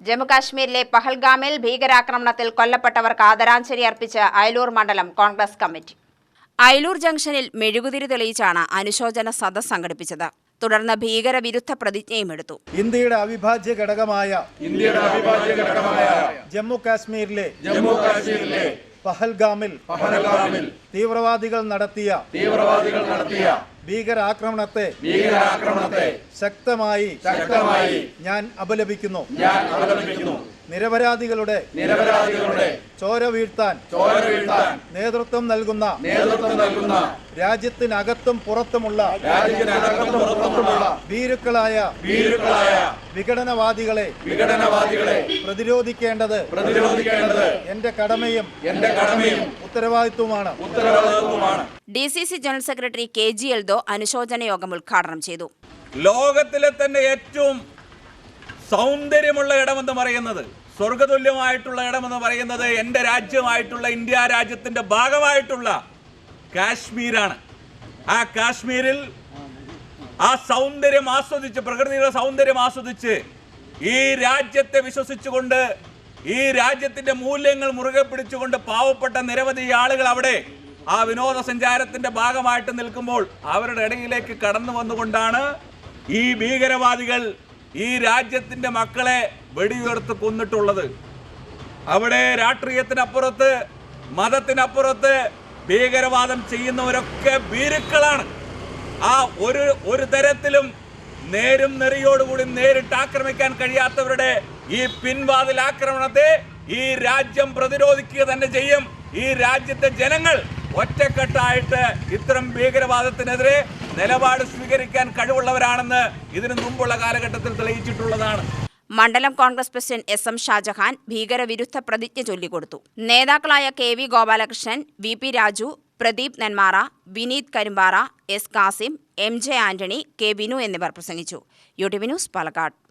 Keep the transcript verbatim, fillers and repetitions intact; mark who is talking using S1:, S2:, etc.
S1: ജമ്മുകാശ്മീരിലെ പഹൽഗാമിൽ ഭീകരാക്രമണത്തിൽ കൊല്ലപ്പെട്ടവർക്ക് ആദരാഞ്ജലി അർപ്പിച്ച് അയലൂർ മണ്ഡലം കോൺഗ്രസ് കമ്മിറ്റി. അയലൂർ ജംഗ്ഷനിൽ മെഴുകുതിരി തെളിയിച്ചാണ് അനുശോചന സദസ്സ് സംഘടിപ്പിച്ചത്. തുടർന്ന് ഭീകരവിരുദ്ധ പ്രതിജ്ഞയും എടുത്തു.
S2: ഇന്ത്യയുടെ അവിഭാജ്യ ഘടകമായ
S3: ഇന്ത്യയുടെ അവിഭാജ്യ ഘടകമായ
S2: ജമ്മു കാശ്മീരിലെ
S3: ജമ്മു കാശ്മീരിലെ
S2: പഹൽഗാമിൽ
S3: പഹൽഗാമിൽ
S2: തീവ്രവാദികൾ നടത്തിയ
S3: തീവ്രവാദികൾ നടത്തിയ
S2: ഭീകരാക്രമണത്തെ
S3: ഭീകരാക്രമണത്തെ
S2: ശക്തമായി
S3: ശക്തമായി
S2: ഞാൻ അപലപിക്കുന്നു.
S3: ഞാൻ അപലപിക്കുന്നു.
S2: നിരപരാധികളുടെ
S3: നിരപരാധികളുടെ
S2: ചോര വീഴ്ത്താൻ
S3: ചോര വീഴ്ത്താൻ
S2: നേതൃത്വം നൽകുന്ന
S3: നേതൃത്വം നൽകുന്ന
S2: രാജ്യത്തിനകത്തും പുറത്തുമുള്ള
S3: രാജ്യത്തിനകത്തും പുറത്തുമുള്ള
S2: ഭീരുക്കളായ
S3: ഭീരുക്കളായ
S2: വിഘടനവാദികളെ
S3: വിഘടനവാദികളെ
S2: പ്രതിരോധിക്കേണ്ടത്
S3: പ്രതിരോധിക്കേണ്ടത്
S2: എന്റെ കടമയും
S3: എന്റെ കടമയും
S2: ഉത്തരവാദിത്വമാണ്
S3: ഉത്തരവാദിത്വമാണ്.
S1: D C C general secretary K G Eldho അനുശോചന യോഗം ഉദ്ഘാടനം ചെയ്തു.
S4: ലോകത്തിലെ തന്നെ ഏറ്റവും സൗന്ദര്യമുള്ള ഇടമെന്ന് പറയുന്നത്, സ്വർഗതുല്യമായിട്ടുള്ള ഇടമെന്ന് പറയുന്നത് എൻ്റെ രാജ്യമായിട്ടുള്ള ഇന്ത്യ രാജ്യത്തിൻ്റെ ഭാഗമായിട്ടുള്ള കാശ്മീരാണ്. ആ കാശ്മീരിൽ ആ സൗന്ദര്യം ആസ്വദിച്ച്, പ്രകൃതിയുടെ സൗന്ദര്യം ആസ്വദിച്ച്, ഈ രാജ്യത്തെ വിശ്വസിച്ചുകൊണ്ട്, ഈ രാജ്യത്തിൻ്റെ മൂല്യങ്ങൾ മുറുകെ പിടിച്ചുകൊണ്ട് പാവപ്പെട്ട നിരവധി ആളുകൾ അവിടെ ആ വിനോദസഞ്ചാരത്തിൻ്റെ ഭാഗമായിട്ട് നിൽക്കുമ്പോൾ അവരുടെ ഇടയിലേക്ക് കടന്നു വന്നുകൊണ്ടാണ് ഈ ഭീകരവാദികൾ ഈ രാജ്യത്തിൻ്റെ മക്കളെ വെടിയുയർത്ത് കൊന്നിട്ടുള്ളത്. അവിടെ രാഷ്ട്രീയത്തിനപ്പുറത്ത്, മതത്തിനപ്പുറത്ത് ഭീകരവാദം ചെയ്യുന്നവരൊക്കെ ഭീരുക്കളാണ്. ആ ഒരു ഒരു തരത്തിലും നേരും നെറിയോടുകൂടി നേരിട്ട് ആക്രമിക്കാൻ കഴിയാത്തവരുടെ ഈ പിൻവാതിൽ ആക്രമണത്തെ ഈ രാജ്യം പ്രതിരോധിക്കുക തന്നെ ചെയ്യും. ഈ രാജ്യത്തെ ജനങ്ങൾ ഒറ്റക്കെട്ടായിട്ട് ഇത്തരം ഭീകരവാദത്തിനെതിരെ നിലപാട് സ്വീകരിക്കാൻ കഴിവുള്ളവരാണെന്ന് ഇതിനു മുമ്പുള്ള കാലഘട്ടത്തിൽ തെളിയിച്ചിട്ടുള്ളതാണ്.
S1: മണ്ഡലം Congress president S M Shajahan ഭീകരവിരുദ്ധ പ്രതിജ്ഞ ചൊല്ലിക്കൊടുത്തു. നേതാക്കളായ K V Gopalakrishnan, V P Raju, Pradeep Nenmara, Vineeth Karimpara, S Kasim, M J Antony, K Binu എന്നിവർ പ്രസംഗിച്ചു. U T V news Palakkad.